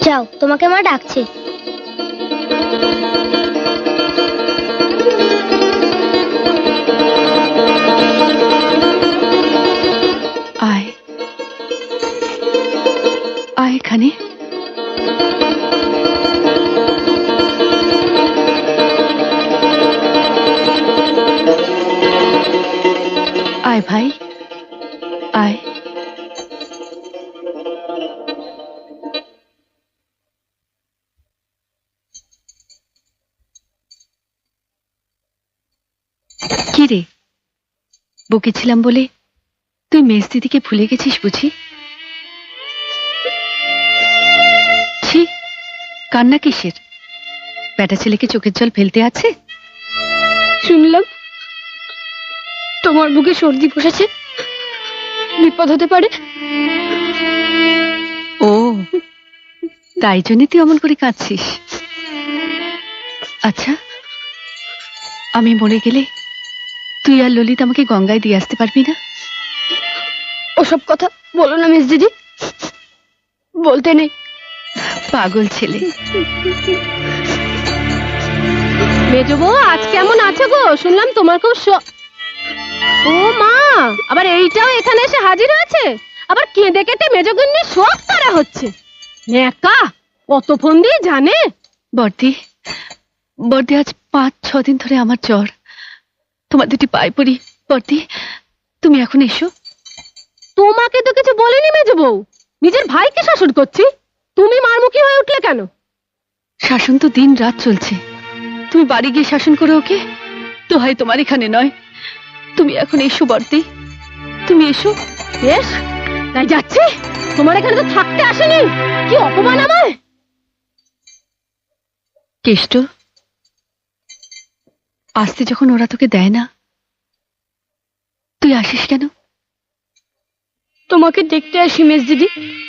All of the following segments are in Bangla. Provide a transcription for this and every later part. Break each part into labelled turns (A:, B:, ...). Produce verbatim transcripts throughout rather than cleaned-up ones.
A: যাও, তোমাকে মা ডাকছে।
B: আয় আয় এখানে। আয় ভাই আয়। কি রে, বকেছিলাম বলে তুই মেজ দিদিকে ভুলে গেছিস বুঝি? ছি, কান্না কিসের? বেটা ছেলেকে চোখের জল ফেলতে আছে?
A: শুনলাম তোমার বুকে সর্দি বসেছে, বিপদ হতে পারে।
B: ও, তাই জন্য তুই অমন করে কাঁদছিস? আচ্ছা, আমি মরে গেলে তুই আর ললিত আমাকে গঙ্গায় দিয়ে আসতে পারবি না?
A: ওসব কথা বলো না মিস দিদি, বলতে নেই।
B: পাগল ছেলে।
C: মেজো বউ আজ কেমন আছে গো? শুনলাম তোমার খুব শ- ও মা, আবার এইটাও এখানে এসে হাজির হয়েছে, আবার কেঁদে কেটে মেজগুন্নি শোক করা হচ্ছে। একা কত ফোন দিয়ে জানে।
B: বর্দি, বর্দি আজ পাঁচ ছ দিন ধরে আমার জ্বর। তোমার দুটি পায়ে পড়ি বর্দি, তুমি এখন এসো।
C: তোমাকে তো কিছু বলিনি মেজো বউ, নিজের ভাইকে শাসন করছি, তুমি মারমুখী হয়ে উঠলে কেন?
B: শাসন তো দিন রাত চলছে, তুমি বাড়ি গিয়ে শাসন করো ওকে। দোহাই তোমার এখানে নয়, তুমি এখন এসো বর্দি, তুমি এসো।
C: বেশ, তাই যাচ্ছি। তোমার এখানে তো থাকতে আসেনি, কি অপমান আমায়।
B: কেষ্ট, আসতে যখন ওরা তোকে দেয় না, তুই আসিস কেন?
A: তোমাকে দেখতে আসি মেজ দিদি।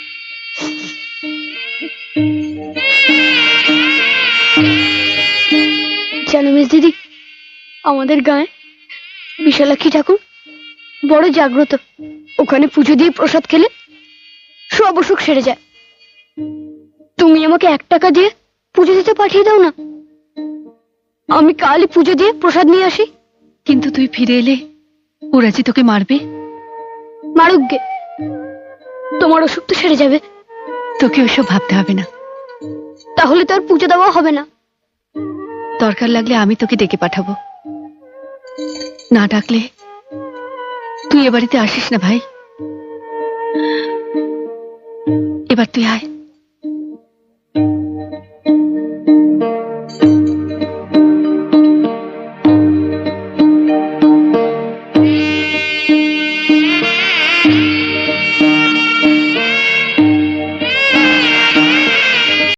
A: জানো মেজ দিদি, আমাদের গায়ে বিশালাক্ষী ঠাকুর বড় জাগ্রত। ওখানে পুজো দিয়ে প্রসাদ খেলে সব অসুখ সেরে যায়। তুমি আমাকে এক টাকা দিয়ে পুজো দিতে পাঠিয়ে দাও না, আমি কালই পুজো দিয়ে প্রসাদ নিয়ে আসি।
B: কিন্তু তুই ফিরে এলে ওরা যে তোকে মারবে।
A: মারুক গে, তোমার অসুখ তো সেরে যাবে।
B: তোকে ওসব ভাবতে হবে না।
A: তাহলে তো আর পুজো দেওয়া হবে না।
B: দরকার লাগলে আমি তোকে ডেকে পাঠাবো, না ডাকলে তুই এ বাড়িতে আসিস না ভাই। এবার তুই আয়।